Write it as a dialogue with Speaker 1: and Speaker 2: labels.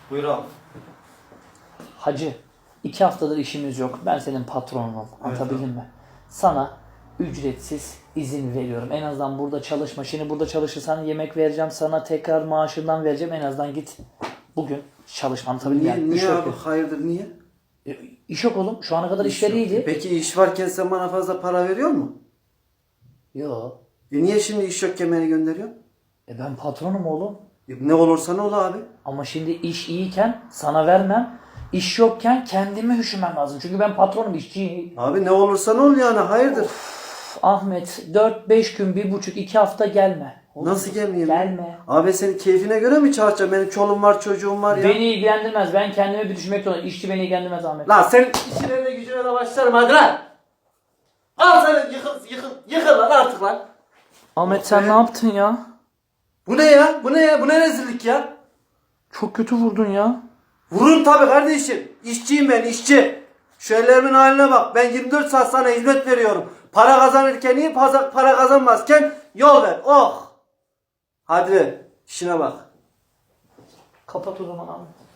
Speaker 1: Buyur abi.
Speaker 2: Hacı, 2 haftadır işimiz yok. Ben senin patronunum. Anlatabildim mi? Sana ücretsiz izin veriyorum. En azından burada çalışma. Şimdi burada çalışırsan yemek vereceğim. Sana tekrar maaşından vereceğim. En azından git bugün çalışma. Anlatabildim
Speaker 1: Niye,
Speaker 2: yani.
Speaker 1: niye abi? Hayırdır niye?
Speaker 2: İş yok oğlum. Şu ana kadar işleri iyiydi.
Speaker 1: Peki iş varken sen bana fazla para veriyor mu?
Speaker 2: Yo.
Speaker 1: Niye şimdi iş yokken beni gönderiyorsun?
Speaker 2: Ben patronum oğlum.
Speaker 1: Ne olursa ne ol abi.
Speaker 2: Ama şimdi iş iyiyken sana vermem. İş yokken kendimi üşümem lazım. Çünkü ben patronum, işçiyim.
Speaker 1: Abi ne olursa ne ol yani hayırdır?
Speaker 2: Ahmet 4-5 gün, 1,5-2 hafta gelme. Oğlum,
Speaker 1: Nasıl gelmeyeyim?
Speaker 2: Gelme.
Speaker 1: Abi senin keyfine göre mi çalışacağım? Benim çoluğum var çocuğum var ya.
Speaker 2: Beni ilgilendirmez. Ben kendime bir düşünmek zorundayım. İşçi beni ilgilendirmez Ahmet.
Speaker 1: Lan senin işine gücüne de başlarım hadi lan. Al sen yıkıl lan artık lan.
Speaker 2: Ahmet sen ne yaptın ya?
Speaker 1: Bu ne ya? Bu ne ya? Bu ne rezillik ya?
Speaker 2: Çok kötü vurdun ya.
Speaker 1: Vurun tabii kardeşim. İşçiyim ben işçi. Şu ellerimin haline bak. Ben 24 saat sana hizmet veriyorum. Para kazanırken iyi, para kazanmazken yol ver. Oh. Hadi işine bak.
Speaker 2: Kapat o zaman Ahmet.